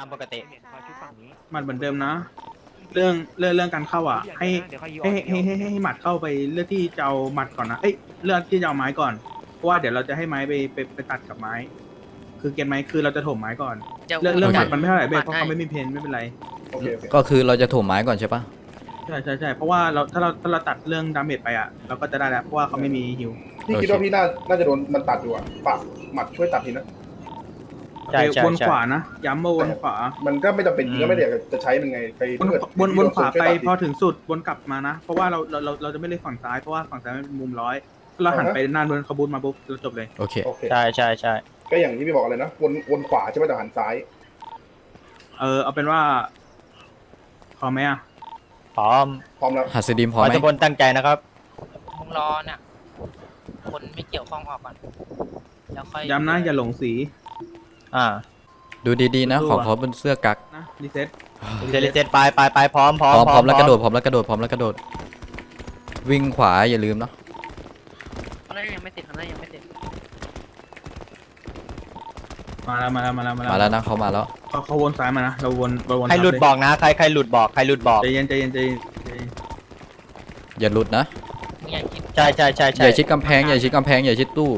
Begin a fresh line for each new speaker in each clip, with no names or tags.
ามปกติ
หมัดเหมือนเดิมนะ เรื่องการเข้าอ่ะให้หมัดเข้าไปเลือกที่จะเอาหมัดก่อนนะเลือกที่จะเอาไม้ก่อนเพราะว่าเดี๋ยวเราจะให้ไม้ไปตัดกับไม้ คือเกณฑ์ไม้คือเราจะถมไม้ก่อนเรื่องหมัดมันไม่เท่าไหร่เบสเพราะเขาไม่มีเพนไม่เป็นไร
โอเค
ก็คือเราจะถ่วงไม้ก่อนใช่ปะ
ใช่เพราะว่าถ้าเราตัดเรื่องดาเมจไปอ่ะเราก็จะได้แล้วเพราะว่าเขาไม่มีฮิว
พี่คิดว่าพี่น่าจะโดนมันตัดอยู่อ่ะฝากหมัดช่วยตัดทีนะ
ใช่ใช่
วน
ใช่
ขวานะย้ำมาวนขวา
มันก็ไม่จำเป็นก็ไม่ได้จะใช้มันไงไป
วนขวาไปพอถึงสุดวนกลับมานะเพราะว่าเราจะไม่เล่นฝั่งซ้ายเพราะว่าฝั่งซ้ายมันเป็นมุมร้อยเราหันไปหน้าโดนขบูนมาปุ๊บเราจบเลย
โอเค
โอเค
ใช่ใช่ใช่
ก็อย่างที่พี่บอกเลยนะวนขวาใช่ไหมแต่หันซ้าย
เอาเป็นว่าพอไหมอ่ะ
พร้อม
พร้อมแล้ว
หัสดิมพ
ข
อ
อ
ไหม
ทุกคนตั้งใจนะครับ
มึงรอเนี่ยคนไม่เกี่ยวข้องออกก่อนแล้วค่อย
ย้ำนะอย่าหลงสี
อ่า
ดูดีๆนะ ของเขาเป็นเสื้อกั๊ก
นะรีเซ็ต
เซตไปพร้อม
พร้อมแล้วกระโดดพร้อมแล้วกระโดดพร้อมแล้วกระโดด วิ่งขวาอย่าลืมเนาะ
ข้างหน้ายังไม่เสร็จข้างหน้ายังไม่เสร็จ
มาแล้ว
มาแล้วนะเขามาแล้ว
เขาวนซ้ายมานะเราวน
ใครหลุดบอกนะใครหลุดบอก
ใจเย็น
อย่าหลุดนะ
มึงอย่าคิด
ใช่
อย่าชิดกำแพงอย่าชิดกำแพงอย่าชิดตู้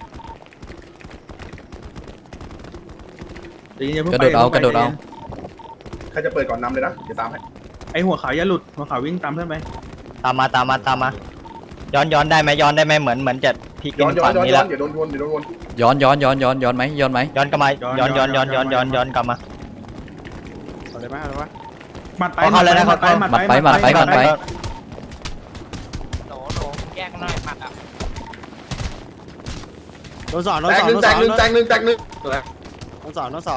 กระโดดเอา
ใครจะเปิดก่อนนำเลยนะเดี๋ยวตามให้
ไอหัวขาวอย่าหลุดหัวขาววิ่งตามเพื่อนไป
ตามมาย้อนได้ไหมเหมือนจะพลิก
ย้อน
ฝั่งนี้แล้ว
เดี๋ยวโดนวน
ย้อนไหมย้อนไหม
ย้อนกลับมาย้อนกลับมา
เอาเลยไหมเอาเลยไหม
หมัดไป
เข้าแล้วนะ
หมัดไป
โหลแยกหน่อยหมัดอ่ะ
โดนสองโด
แต
น
ก
สอง
หนึ่ง
โดน
แต
ส
ก
อง
หนึ่งแตกหนึ่งแตกหนึ่ง
โดนสองโดนสอง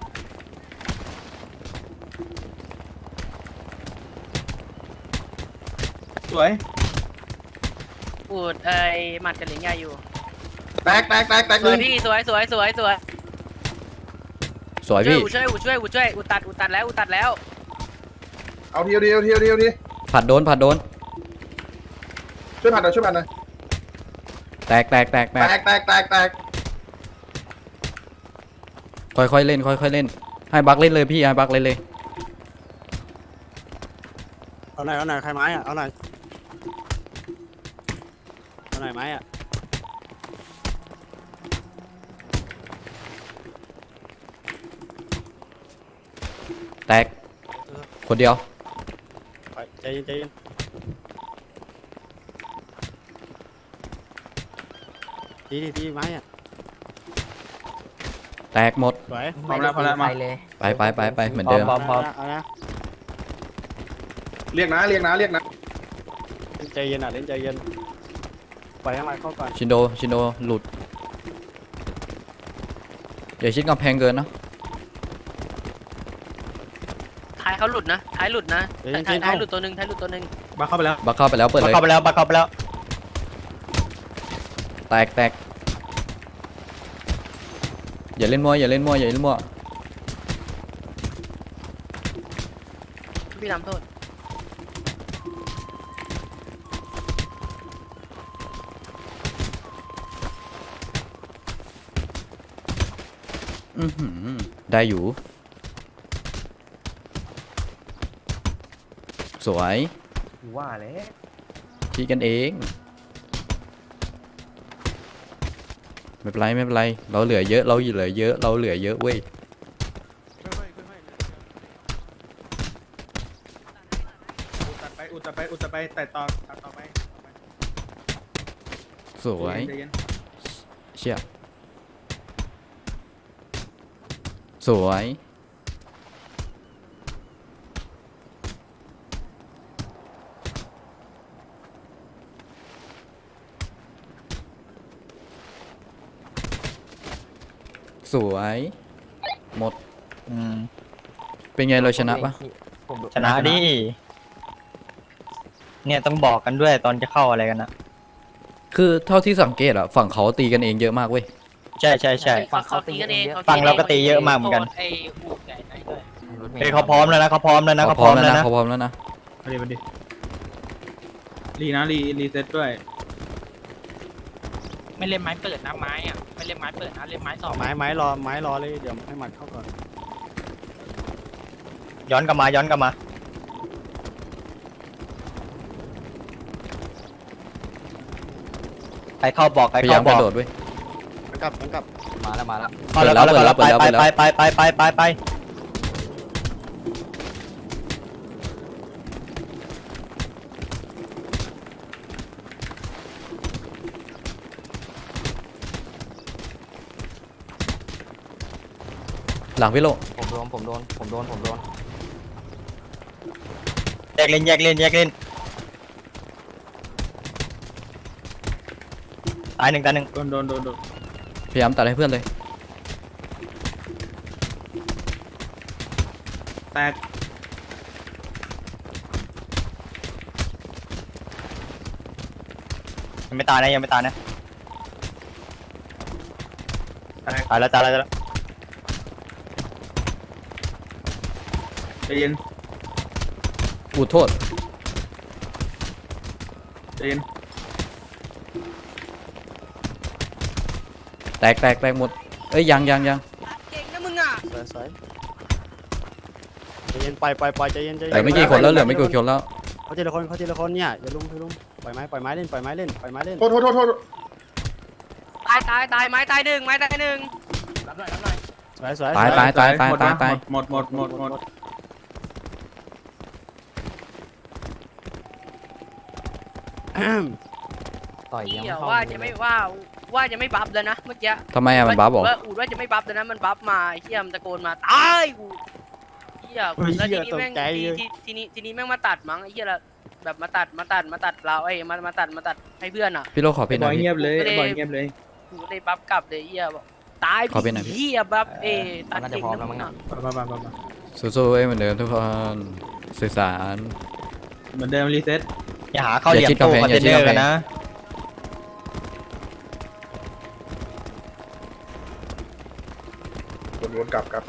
สวย
อูดหมัดกับเหลียงยาอยู่
แตกห
ส
นึ่
วย
ง
พี่สวย
สวย
ช่วย
พี่
อูดตัดแล้ว
เอาที
ผัดโดน
ช่วยผ่านหน่อย
แตก
แตก
ค่อยๆเล่นให้บักเล่นเลยพี่ให้บักเล่นเลย
เอาหน่อยใครไม้อ่ะเอาหน่อยไม้อ่ะ
แตกคนเดียว
ไปใจเย็นทีไม้อ่ะ
แตกหมด
สวย
พร้อมแล้วมา
ไปเหมือนเดิม
พร้อม
เอานะ
เรียกนะ
ใจเย็นอ่ะเล่นใจเย็นปล่อยให้มันเข้าก่อน
ชินโดหลุดอย่าชิดกำแพงเกินนะ
ท้ายเขาหลุดนะท้ายหลุดนะท้ายหลุดตัวหนึ่ง
บักเข้าไปแล้ว
บักเข้าไปแล้วเปิดเลย
เข้าไปแล้ว
แตกอย่าเล่นมั่ว
พี่ทำโทษ
ได้อยู่สวยว่าแล้วทีกันเองไม่เป็นไรเราเหลือเยอะเว้ย
อุดต่อไปแต่ต่อไป
สวย
ใจเย็น
เชี่ยสวยหมดเป็นไงเราชนะปะ
ชนะดิเนี่ยต้องบอกกันด้วยตอนจะเข้าอะไรกันนะ
คือเท่าที่สังเกตอะฝั่งเขาตีกันเองเยอะมากเว้ย
ใช่
เขาตีกันเอง
ฟังเราก็ตีเยอะมากเหมือนกัน
ไอ้อูดไก่ไหนด้วย
เฮ้ยเขาพร้อมแล้วนะ
เขาพร้อมแล้วนะ
มาดิรีเซ็ตด้วย
ไม่เล่นไม้เปิดนะไม้อ่ะไม่เล่นไม้เปิดนะเล่นไม้สอง
ไม้รอเลยเดี๋ยวให้มันเข้าก่อน
ย้อนกลับมาย้อนกลับมาใครเข้าบอกใคร
พยายา
เข้าม บอก
กระโดดเว้ย
มันกลับมันกลับ
มาแล้วมาแล้ว
เอาแล้ว
เปิดแล้ว
ไป
เปิดแล้ว
ไป
หลังพี่โล
ผมโดน
แยกเล่นแยกเล่นแยกเล่นตายหนึ่งตายหนึ่ง
โดน
พยายามตัดให้เพื่อนเลย
แตก
ยังไม่ตายนะยังไม่ตายนะ
แตก
ตายแล้วตายแล้ว
ใจเย็น
อูโทษ
ใจเย็น
แตกหมดเอ้ยยัง
เก่งนะมึงอ่ะ
สวยใจเย็นไปใจเย็น
เหลือไม่กี่คนแล้วเหลือไม่กี่คนแล้ว
เขาทีละคนเนี่ยอย่าลุมปล่อยไม้เล่น
โทษ
ตายไม้ตายหนึ่ง
สวย
ตาย
หมด
ต่อยยัง
เดี๋
ไม่
ยว
เข้า
ว่าจะไม่ว่าจะไม่บัฟแล้วนะเมื่อกี้
ทำไมอะมันบ้าบอก
ว่าอูดว่าจะไม่บัฟแล้วนะมันบัฟมาเฮียมนตะโกนมาตายกูเฮียแล้วทีนี้แม่งทีนี้แม่งมาตัดมั้งไอ้เฮียละแบบมาตัดเราไอ้มาตัดให้เพื่อนอ่ะ
พี่โลขอเพนห
บ
น่
อ
อย ยพี่
เงียบเลยบอยเงียบเลย
กูได้บัฟกลับเลยเฮียบอกตาย
ขอเป็นหน่อยพี่
เฮียบัฟตัด
น่าจะ
เก่ง
พร้อม
นะ
แล้ว
มึ
มั้ง
ง
นะ
อ่ะ
สู้ๆเอ้ยเหมือนเดิมทุกคนสื่อสาร
เหมือนเดิมรีเซ็ต
อย่าหาเข้าเหลี่ยมตู้คอนเทนเนอร์กันนะ
วนกลับ
กลับ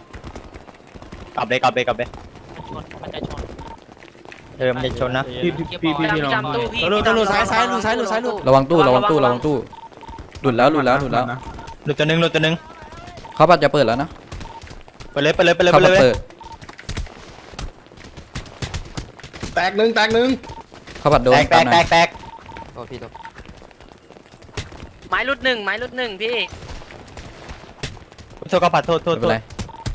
เลย
มันจะชน
มันจะชนนะ
พี่ลอง
จำตู้พี่
ตำรวจซ้ายลุด
ระวังตู้หลุดแล้ว
หลุดตัวหนึ่ง
เขาปัดจะเปิดแล้วนะ
ไปเลย
เขาปัดเปิด
แตกหนึ่ง
เขาปัดโดน
แตก
โทษพี่โทษ
ไม้รุดหนึ่งพี่
โทษก็ปัดโทษ
ไม่เป็นไร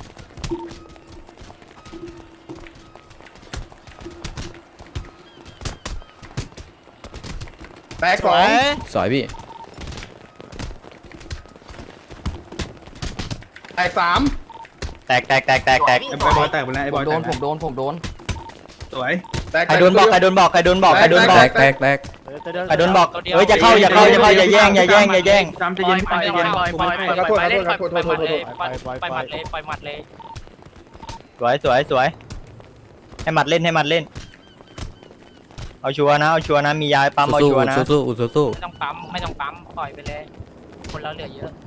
แตกสอง
สอยพี่
แตกสาม
แตก
ไอ้บอยแตกไปแล้วไอ้บอย
ผมโดน
สวย
แตก
ใครโดนบอกใครโดนบอก
แตก
ใครโดนบอกใครโดนบอกเฮ้ยจะเข้าอย่าแย่ง
จำใจเย็น
ปล่อย
ใจเย็น
หมัดเลย
สวยให้หมัดเล่นเอาชัวร์นะมียายปั๊มเอาชัวร์นะ
สู้
ไม่ต้องปั๊มปล่อยไปเลยคนเราเหลือเยอะ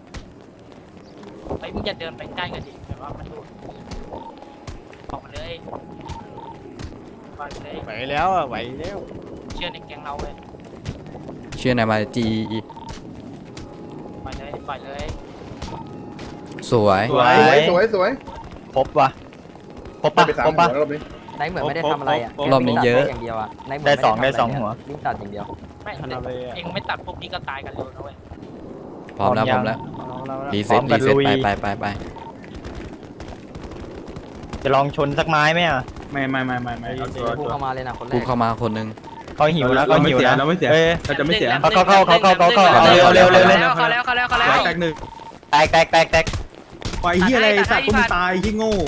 ไอ้มึงจะเดินไปใกล้กันดิแบบว่ามันดูออกมาเลยปล่อยไปเลย
ไหวแล้ว
เชื่อในแก๊งเราเลย
เชื่อนายมาจี
ปล่อยเลย
สวย
สวย
ครบปะ
ไปสามหัวรอบนี้
ไนท์เหมือนไม่ได้ทำอะไรอ่ะ
รอบนี้เยอะ
อย่างเดียวอ่ะ
ได้สองหัว
วิ่งตัดอย่างเดียว
ไม่เองไม่ตัดพวกนี้ก็ตายกันเร็วนะเว้ย
พร้อมแล้วรีเซ็ตไป
จะลองชนสักไม้ไหมอ่ะ
ไม่เอาตัว
พุ่งเข้ามาเลยนะคนแร
กู
ก
เข้ามาคนนึง
เขาหิวนะเขาหิวนะ
เราไม่เสีย เราจะไม่เสีย
เขาเร็ว
แตกหนึ่ง
แตก
ไอ้เหี้ยอะไรสัตว์กูมึงตายที่โง่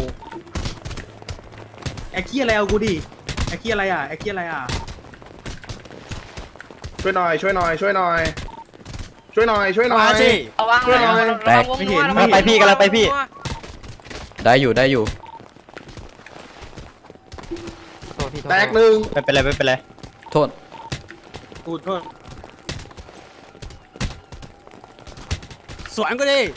ไอ้เหี้ยอะไรเอากูดิไอ้เหี้ยอะไรอ่ะ
ช่วยหน่อย
ระวัง
ไปพี่กำลังไปพี่
ได้อยู่
โทษพี่โทษ
แตกหนึ่ง
ไม่เป็นไร
โทษ
กูโทษ
สวนก็ดิ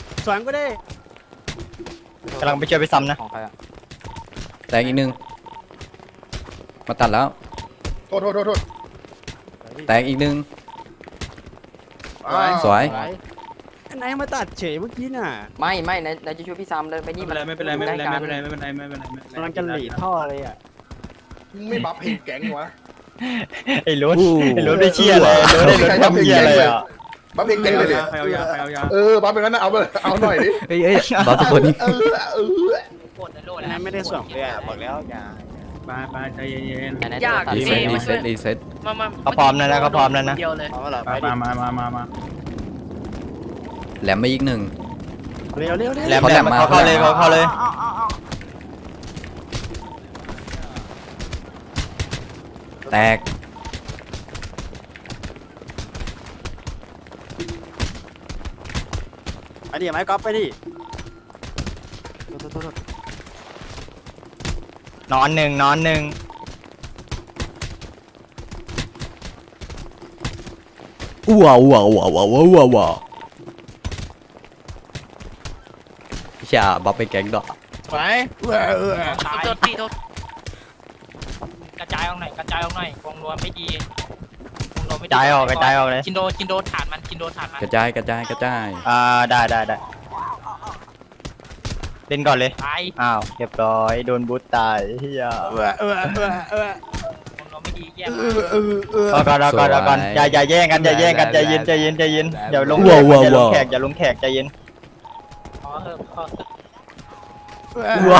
กำลังไปช่วยไปซ้ำนะ
ของใครอ่ะ
แตกอีกนึงมาตัดแล้ว
โทษ
แตกอีกนึง
อ้าว
สวย
นายมาตัดเฉยเมื่อกี้น่ะ
ไม่นายจะช่วยพี่ซัมเลยไปนี่
ไม่เป็นไรไม่เป็นไรไม่เป็นไรไม่เป็นไรไม่เป็นไรไม่เป็นไร
กำลังจะหลีดท่อเลยอ่ะ
มึงไม่บัฟเพลงแก๊งวะ
ไอ้รุ่นไอ้รุ่นได้เชี่ยอะไรรุ่นได้รุ่นทำเชี่ยอะไรอ่ะ
บัฟเพลงแก๊งเลยดิ
ใครเอายาใครเอายา
บัฟเป็นงั้นนะเอาไปเอาหน่อยดิ
เอ้ยบัฟทุกคนนี่
นายไม่ได้ส่งเลยอ่ะบอกแล้วอย่า
ไปใจเย็น
นายตัด
รี
เอ
เซ็ต
ง
รีเซ็ต
มา
เขาพร้อมแล้วนะเขาพร้อมแล้วนะ
เดียวเลย
เอาละ
ๆ
ไปดิ
มา
แหลมไปอีกหนึ่ง
เร็ว
แหลม
เขา
แห
แห
ล
ล
ม
มมา
เขาเข้าเลยเขาเข้าเลย
แตก
ไปดิไม้ก๊อฟไปดิ
นอนหนึ่งนอนหนึ่ง
ว้าวพี่ชาบัฟไปแก๊งดอก
ไป
โทษพี่โทษ
กระจายออกหน่อยกระจายออกหน่อยวงรวมไม่ดีวงรวมไม่
กระจายออกกระจายออกเลย
ชินโดฐานมันชินโดฐานมัน
กระจาย
ได้เล่นก่อนเลย
ตาย
อ้าวเรียบร้อยโดนบูทตายเฮียว
งรวมไม่ดีแย่
รอก่อนอย่าแย่งกันใจเย็นอย่าลงแขกอย่าลงแขกใจเย็น
พอเถอะพอเถอะ
ว้าว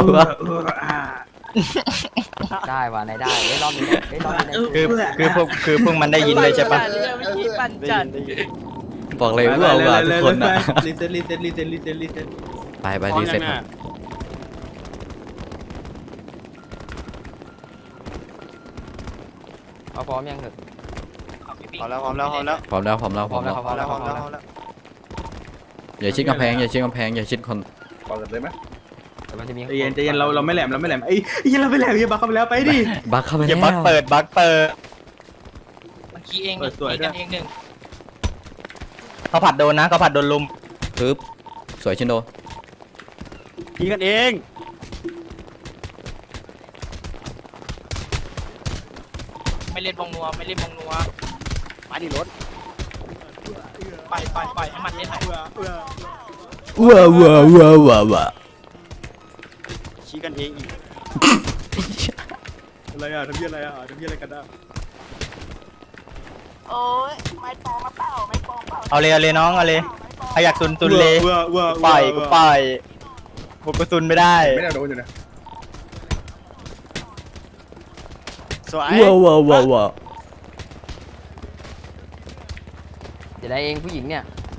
ได้ว่ะนายได้เฮ้ยรอบนี้เฮ้ยรอบนี้
คือพวกมันได้ยินเลยใช่ปะ
เรื่องเมื่อกี้ปั่นจัด
บอกเลยว้าวทุกคนนะ
รีเซ็ต
ไปรีเซ็ตครับ
เอาพร้อมยังเถอะ
เอาพี่
พร้อมแล้ว
พร้อมแล้ว อย่าชิดกำแพงอย่าชิดคน
เปิดเลยไหม
แต่มันจะมี
ใจเย็นเราไม่แหลมไอ้ยี่เราไม่แหลมอย่าบักเข้าไปแล้วไปดิ
บักเข้าไป
อย่า
แล้ว
บักเปิด
มันขี้เอง
เปิดสวย
ขี้
ด้
กั
วย
นเองหนึ่ง
เขาผัดโดนนะเขาผัดโดนลุม
ปึ๊บสวยชินโด
ยิงกันเอง
ไม่เล่นวงนัวไม่เล่นวงนัว
มาดิรถ
ปล่อยให้มันเล่นหน่อย
ว้าว
ชี้กันเองอีก
อะไรอ่ะทำเพี้ยอะไรกันอ่ะ
เอาเลยน้องเอาเลยใครอยากซุนเลยปล่อยกูปล่อยพวกกูซุนไม่ได้
ไม่ได้โดนอยู่นะ
สวย
ว้าว
เดี๋ยวได้เองผู้หญิงเนี่ย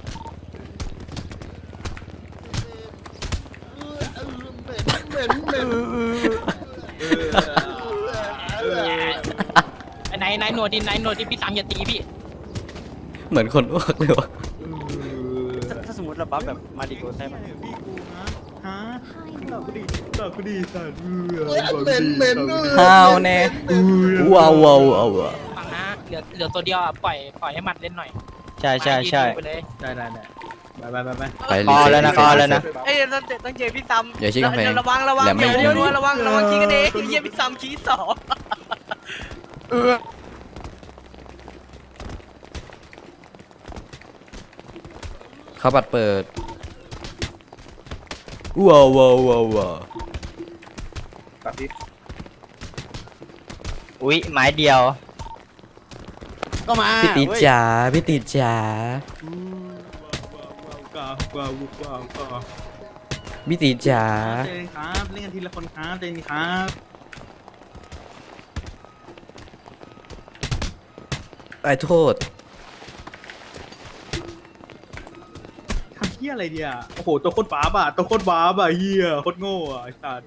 นายหนวดดิพี่สามอย่าตีพี่
เหมือนคนอ้วกเลยวะ
ถ้าสมมติเราบัฟแบบมาดิโกใช่ไหม
ฮะตอบกูดีสัตว์
ฮาวแน่ว้าว
ฟังนะเหลือตัวเดียวอ่ะปล่อยให้มันเล่นหน่อย
ใช่
ไปเลย
ได้ไป
ไป
พ
รี
อ
เซ็
แล้ว
ต
นะพอแล้วนะ
เอ้ยต้องเจอพี่ซัม
อย่าชี้กำแพง
ระวัง
แหลมไม่ยิง
ระวังขี้กันเองเยี่ยพี่ซัมขี้สอง
เขาบัดเปิดว้าว
ตัดที่
อุ๊ยไม้เดียว
ก็มา
พี่ตีจ๋าพี่ตีจ๋าพี่ตีจ๋า
เล่นครับเล่นกันทีละคนครับเล่นครับ
ไอ้โทษ
ทำเฮี้ยอะไรเดียโอ้โหตัวโคตรบ้าอ่ะตัวโคตรบ้าอ่ะเฮี้ยโคตรโง่อ่ะไอ้สัตว์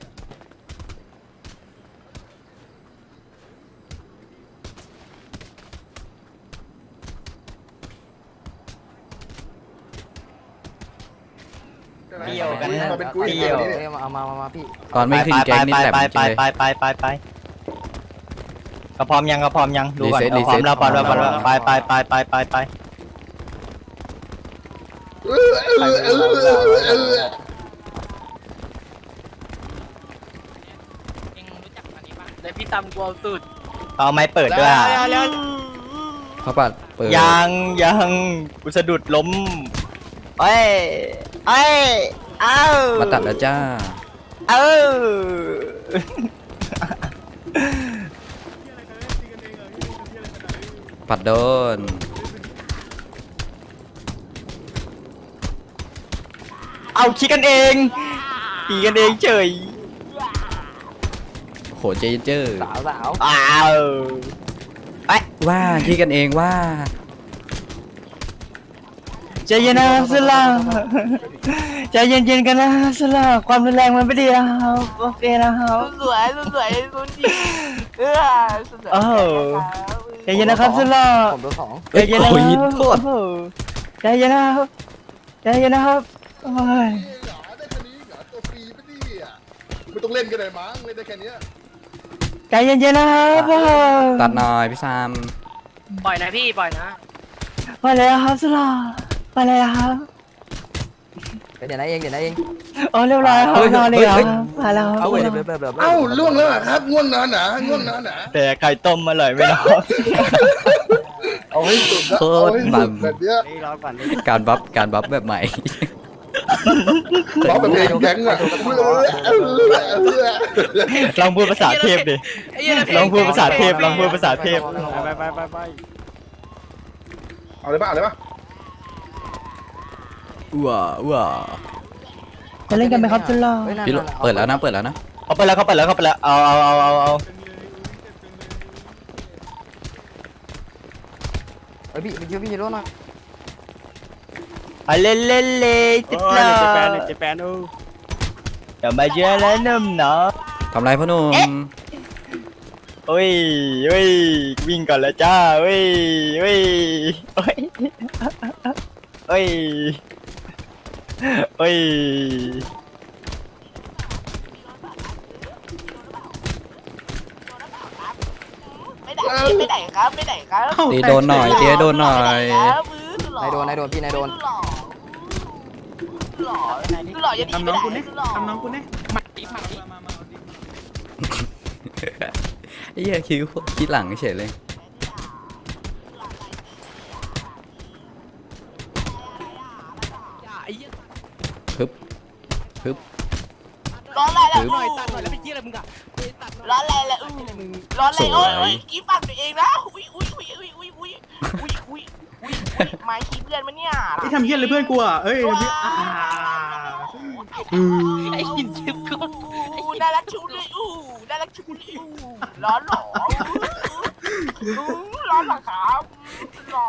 เดี่ยวกันนะ
มาเป็นกุ้ย
เดี่ยว
นี่
เฮ้ยมาพี่
ตอนไม่ถึงแก๊งนี่แหลมจริงเลย
ไปก็พร้อมยังดูก่อน
รีเซ็ต
พร้อมแล้วไป
เองรู้จักอันนี้ปะ
เดี๋ยวพี่ซัมกลัวสุด
เอาไม้เปิดด้วยอะ
เขาบัดเปิด
ยังกูสะดุดล้มเอ้ยเอ้ยเอ้า
มาตัดแล้วจ้า
เอ้า
ปัดโดน
เอาคิดกันเองตีกันเองเฉย
โหเจเจอร์
สาวสาว
อ้าว
ว่าขี้กันเองว่า
ใจเย็นนะครับสุลาใจเย็นๆกันนะสุลาความรุนแรงมันไม่ดีนะครับโอเคนะครับ
สวยสวยคุณดีสวย
โอ้โหใจเย็นนะครับสุลา
ผมตัวสอง
ใจเย็นนะค
โอ้ย
รับ
โทษ
โอ้โหใจเย็นนะครับใจเย็นนะครับโอ้ย
เหรอได้แค่นี้เหรอตัวฟรีไม่ดีอ่ะไม่ต้องเล่นกันเลยมั้งเล่นได้แค่เนี้ย
ใจเย็นๆนะครับโอ้โห
ตัดหน่อยพี่ซาม
ปล่อยนะพี่ปล่อยนะ
ไปเลยครับสุลาไปเลยครับ
เดี๋ยวนะเองเดี๋ยวนะเอง
โอ้เรียบร้อยครับนอนเลยครับมาแล้วครับ
เอาเดี๋ยว
เอ้าล่วงแล้วเหรอครับง่วงนอนหนาง่วงนอนหนา
แต่ไข่ต้มอร่อยไหมน้อง
เอาให้สุดนะ
โค
เอา
ตร
ให้
มั
สุ
น
ดแบบเนี้ย
นี่รอก่อนนี่
การบัฟแบบใหม่
ร้องแบบเพลงแก๊งอ่ะ
ลองพูดภาษาเทพดิ
ไอ้เหี้ย
ลองพูดภาษาเทพลองพูดภาษาเทพ
ไป
เอาเลยป่ะเอาเลยป่ะ
ว้าว้า
จะเล่นกันไหมครับจุลลอ
พี่โรเปิดแล้วนะเปิดแล้วนะ
เขาไปแล้วเอา
เฮ้ยพี่ฮีโร่หน่อย
เอาเล่นจุลลอ
เจแปน
เดี๋ยวมาเยอะแล้วนุ่มเนาะ
ทำไรพ่อหนุ่ม
เฮ้ยวิ่งก่อนแล้วจ้าเฮ้ยเฮ้ยเฮ้ยเฮ้ยเฮ้ย
ไปไหนครับไปไหนครับ
ตีโดนหน่อยตีให้โดนหน่อย
นายโดนพี่นายโดน
ทำน้องคุณเนี่ยทำน้องคุณเนี่ย
ไอ้เหี้ยคิดหลังเฉยเลย ฮึบฮึบ
ร้อนอะไรแล้ว
ฮึบ
ตัดหน่อยแล้วไปเหี้ยอะไรมึงอะ
ร้อนอะไรแล้วร้อนอะไรโอ้ยกี้ปั่นตัวเองนะอุ้ยไม้ขี้เพื่อนมันเนี่ย
ที่ทำเหี้ยอะไรเพื่อนกูอ่ะเอ้ยพี่
ไอ้หินทิพย์กู
น่ารักชุเลยน่ารักชุเลยร้อนหรอร้อนหรอครับหรอ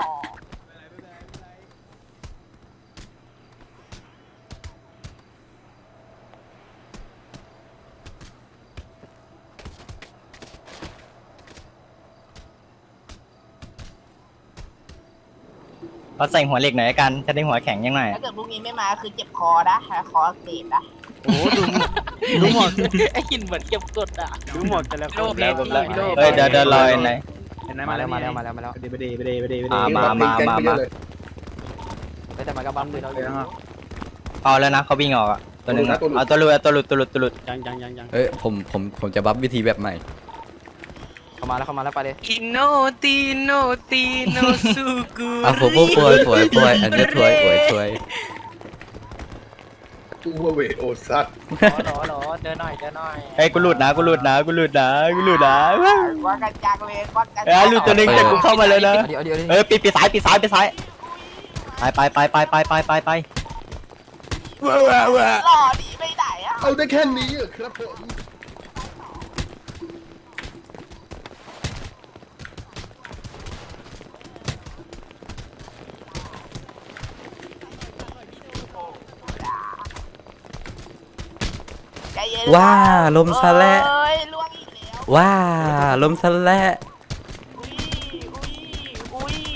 เขาใส่หัวเหล็กหน่อยกันจะได้หัวแข็งยังไง
ถ้าเกิดพรุ่งนี้ไม่มาคือเจ็บคอนะคอเสียนะ
ดูหมด
ไอ้หินเหมือนเก็บกดอ่ะ
ดูหมดแต่ละคน
แล้วเฮ้ยเดี๋ยวรอไหน
เห็นไหม
มาแล้ว
ไปเดไปเด
มา
แต่มันก็บัมด้วยเรา
เอาแล้วนะเขาวิ่งออกอ่ะตัวนึงเอาตัวหลุด
ยัง
เอ้ยผมจะบัฟวิธีแบบใหม่
เข้ามาแล้วไปเลย
อินโนตีโนสุกุ
อ่ะผมถวยอันนี้ถวยถวย
กูว่าเวโอซัด
หรอเดินหน่อย
เฮ้ยกูหลุดนะ
ว่ากันจังเลยว่ากัน
หลุดตัวนึงแต่กูเข้ามาเลยนะ
เดี๋ยว
เอ้ยปีซ้ายไป
หล่อดีไปไหนอ่ะ
เอาได้แค่นี้เหรอครับผม
ว่าลมซะและ
เอ้ยล่วงอีกแล้ว
ว่าลมซะและ
อุ้ย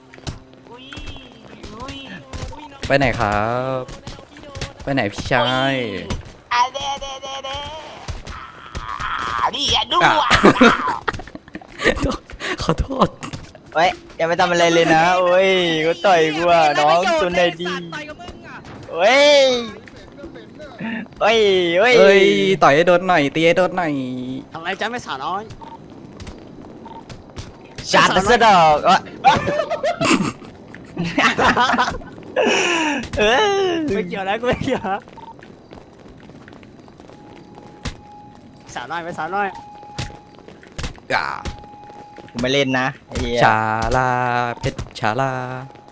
ไปไหนครับ ไปไหนพี่ชาย
อ่ะเด้นี่อ่ะดูอ่ะ
ขอโทษ
เฮ้ยอย่าไปทำอะไรเลยนะโอ้ยกูต่อยกูอ่ะน้องซุนได้ดี
ต่อยกับมึงอ่ะ
เฮ้ย
เอ้ยต่อยให้โดนหน่อยตีให้โดนหน่อย
ทำไรจ้าไม่สาวน้อย
ชาร์จไปซะดอกเอ้ย
ไม่เกี่ยวแล้วกูไม่เกี่ยวสาวน้อยไปสาวน้อย
อ่า
กูไม่เล่นนะไอ้เหี้ย
ชาลาเพชรชาลา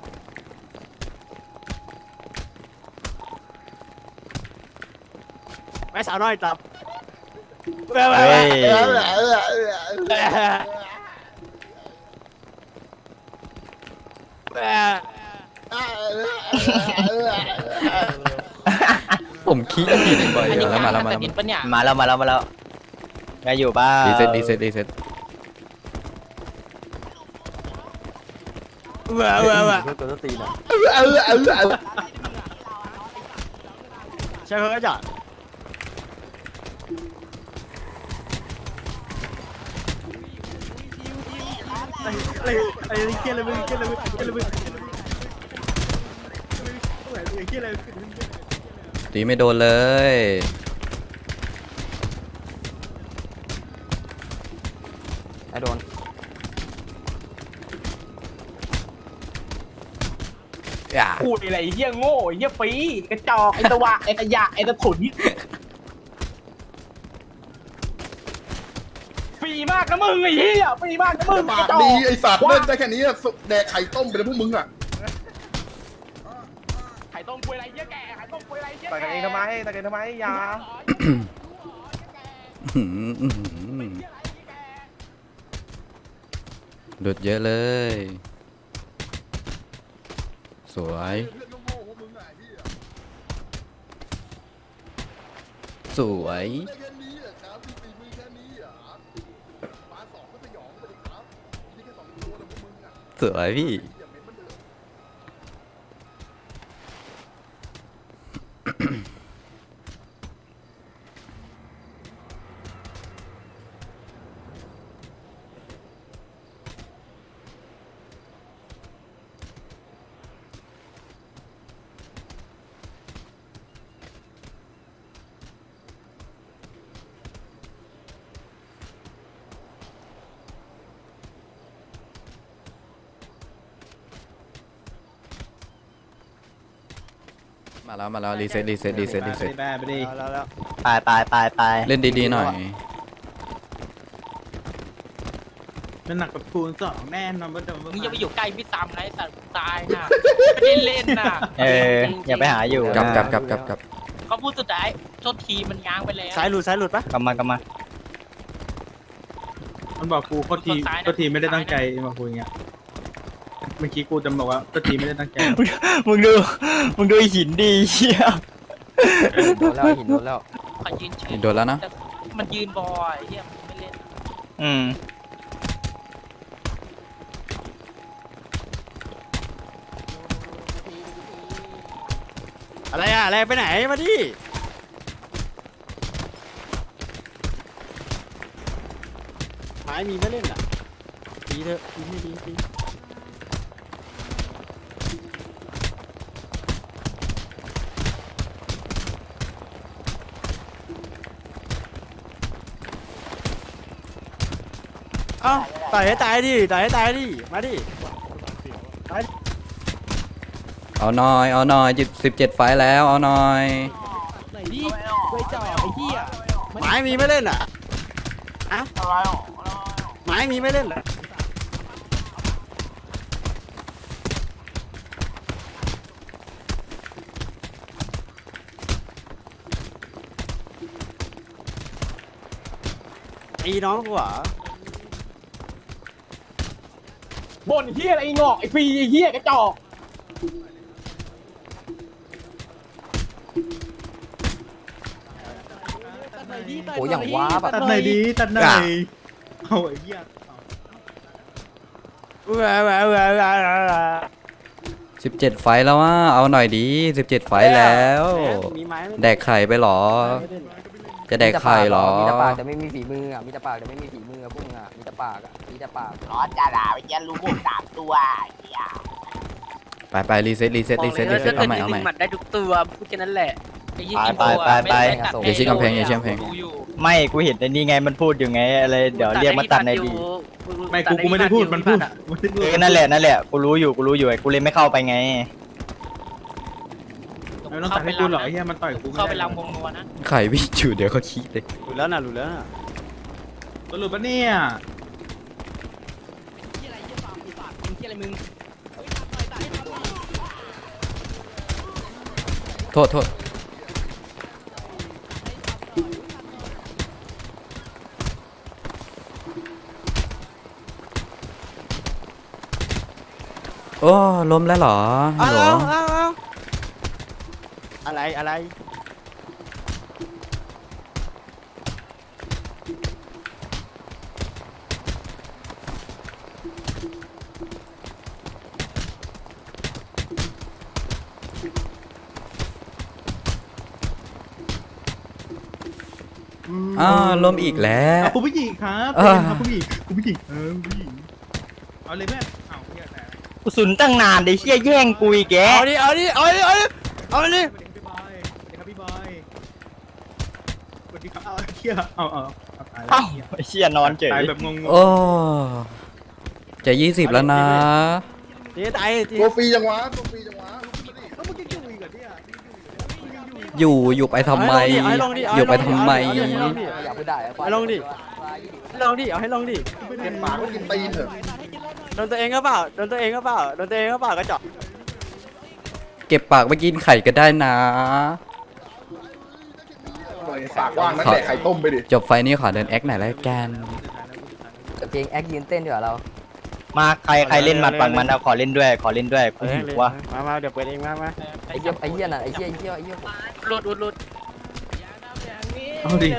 ไปสาวน้อยตับ
เฮ้ย
ผมขี้ผิดบ่อยเดี๋ยวแล้วมาแล้วมา
แต่
แล้ว
ดินปะเนี่ย
มาแล้วไงอยู่บ้า
รีเซ็ตรีเซ็ตรีเซ็ต
ใช่เพื่อนจ้ะไอ้เกี่ยอะไรมึงเกี่ยอะไรมึงเกี่ยอะไรมึงเกี่ยอะไร
ตีไม่โดนเลย
ไอ้โดน
อ่า
พูดอะไรเหี้ยโง่เหี้ยปีกระจอกไอ้ตะวะไอ้ขยะไอ้ตะถุนปีมากนะมึงไอ้เหี้ยปีมากนะมึง
ปากดีไอ้สัตว์เล่นได้แค่นี้อะแดกไข่ต้มไปเลยพวกมึงอ่ะ
ไข่ต้มกล้วยอะไรเหี้ยแก่ไข่ต้มกล้วยอะไรเหี้ย
ต่อยกันเองทำไมต่อยกันทำไมอย่า
อื้อหืออื้อหือหลุดเยอะเลย สวย
เพื่อนโง่ๆพวกมึงอ่ะไอ้เหี้ย
สวย
ได้แค่นี้เหรอครับมีฝีมือแค่นี้เหรอปาสองก็สยองไปดิครับมีแค่2 ตัวนะพวกมึงอ่ะ
สวยพี่
อย่าเม้นมันเถอะ
มาแล้วรีเซ็ตรีเซ็ตรีเซ็ตรีเซ็ต
แบ้ไปดิ
แล้ว
ไป
เล่นดีๆหน่อย
มันหนักกับคูณ2แน่นอนว่าจะ
มึงอย่าไปอยู่ใกล้พี่ซ้ำนะไอ้สัตว์ตายนะไม่ได้เล่นนะ
เอออย่าไปหาอยู่
กลับ
เขาพูดสุดท้ายโทษทีมันง้างไปแล้ว
ซ้ายหลุดปะ
กลับมา
มันบอกกูโคตรทีไม่ได้ตั้งใจมาคุยอย่างเงี้ยเมื่อกี้กูจะบอกว่าโคตรทีไม่ได้ตั้งใจ
มึงดูไอ้หินดีเหี้ย
โดนแล้วหินโดนแล้ว
ขอยืนเฉย
โดนแล้วนะ
แต่มันยืนบอยเฮียมันไม่เล่น
อืม
อะไรไปไหนมาดิไม้มีไม่เล่นอ่ะดีเถอะดีไม่ดีดีเอ้าต่อยให้ตายดิมาดิ
เอาหน่อย17 ไฟล์แล้วเอาหน่อย
ไหนดิไว้จ่อไอ้เหี้ยไม้มีไม่เล่นอ่ะอะไม้มีไม่เล่นเหรอตีน้องกูเหรอ
บ่นเหี้ยอะไรไอ้งอกไอ้ปีไอ้เหี้ยกระจอก
โอ้ยอย่างว้าแบบ
ตัดไหนดีตัดไหนเอาไอ้เหี้ย
17 ไฟล์แล้วว่าเอาหน่อยดี17 ไฟล์แล้ว
มีไม้ไหม
แดกไข่ไปเหรอ จะแดกไข่เหรอ
มีแต่ปากแต่ไม่มีฝีมืออ่ะมีแต่ปากแต่ไม่มีฝีมือพวกมึงอ่ะมีแต่ปากอ่ะมีแต่ปาก
ร้อนจ้าด่าไปแกรู้พวก3 ตัวไอ้เหี้ย
ไปรีเซ็ตรีเซ็ตรีเซ็ตรีเซ็ตเอาใหม่เอาใหม่
หมัดได้ทุกตัวพูดแค่นั้นแหละไอ้ยี่
ไป
อย่าชี้กำแพงอย่าชี้กำแพง
ไม่กูเห็นในนี้ไงมันพูดอยู่ไงอะไรเดี๋ยวเรียกมาตัดในดี
ไม่กูไม่ได้พูดมันพูด
เออนั่นแหละกูรู้อยู่ไอ้กูเลยไม่เข้าไปไง
ไม่ต้องตัดให้กูหรอกไอ้เหี้ยมันต่อยกู
เข้าไปลำวงนัวนะ
ไข่วิ่งอยู่เดี๋ยวเขาขี้เลย
หลุดแล้วนะหลุดแล้วนะ
สรุปปะเนี่ย
โทษโทษโอ้ล้มแล้วเหรอฮัลโหล
อะไร
อ้าวล้มอีกแล้ว
คุณผู้หญิงครับ
เออ
คุณผู้หญิงคุณผู้หญิงผู้หญิงเอาเลยแม่เอาเหี้ยแต่
กูสุนตั้งนานไอ้เชี่ยแย่งกูอีกแก
เอาดิเอาดิเอาดิเอาดิเอาดิ
สวัสดีครับพี่บอยสวัสดีครับพี่บอยเอาเหี้ยเอาตายแล้
เอ้าว ไอ้เชี่ยนอนเฉย
ตายแบบงง
โอ้จะ20แล้วนะ
ตีตายตี
ตัวฟรีจังวะตัวฟรีจังวะลุกขึ้นมาดิ
แล้วมึงจะอยู่อีกเหรอเนี่ย
อยู่ไปทำไม
เอาให้ลงดิ
อยู่ไปทำไม
อยากพูดได้อะ
เอาให้ลงดิลงดิเอาให้ลงดิ
เก็บปากก็กินตีนเถอะ
โดนตัวเองก็เปล่าโดนตัวเองก็เปล่าโดนตัวเองก็เปล่าก็เจาะ
เก็บปากไปกินไข่ก็ได้นะ
ปากว่างนั่นแหละไข่ต้มไปดิ
จบไฟนี้ขอเดินแอคหน่อยแล้วกัน
เพลงแอคยืนเต้นดีกว่าเรา
มาใครเล่นหมัดฝั่งมันเอาขอเล่นด้วยกูหิวว่ะ
มาเดี๋ยวเปิดเองมา
ไอ้เหี้ยน่ะไอ้เหี้ย
หลุด
เอาดิ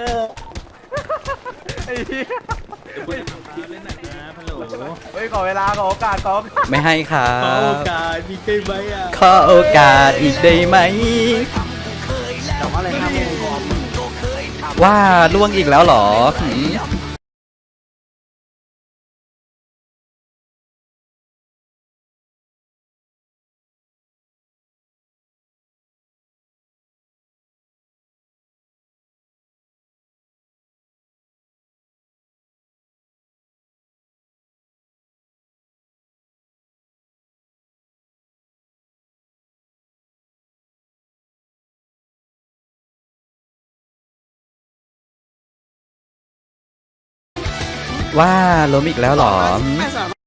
เล่นหน่อยนะฮัลโหล
เฮ้ยขอเวลาขอโอกาสขอ
ไม่ให้ครั
ขอโอบ กาสมีใครไหมอ่ะ
ขอโอกาสอีกได้ไหม
แต่ว่าอะไรห้ามงอม
ว่าล่วงอีกแล้วเหรอหืมว่าล้มอีกแล้วเหรอหืม
ไม่สามารถ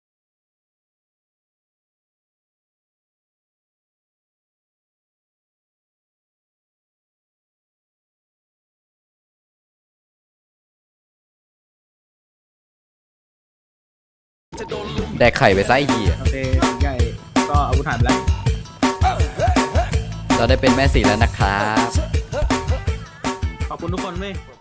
แดกไข่ไปซะไอ้เหี้ย
โอเคใหญ่ก็อาวุธหายไปแล้ว
เราได้เป็นแม่สีแล้วนะครับ
ขอบคุณทุกคนเว้ย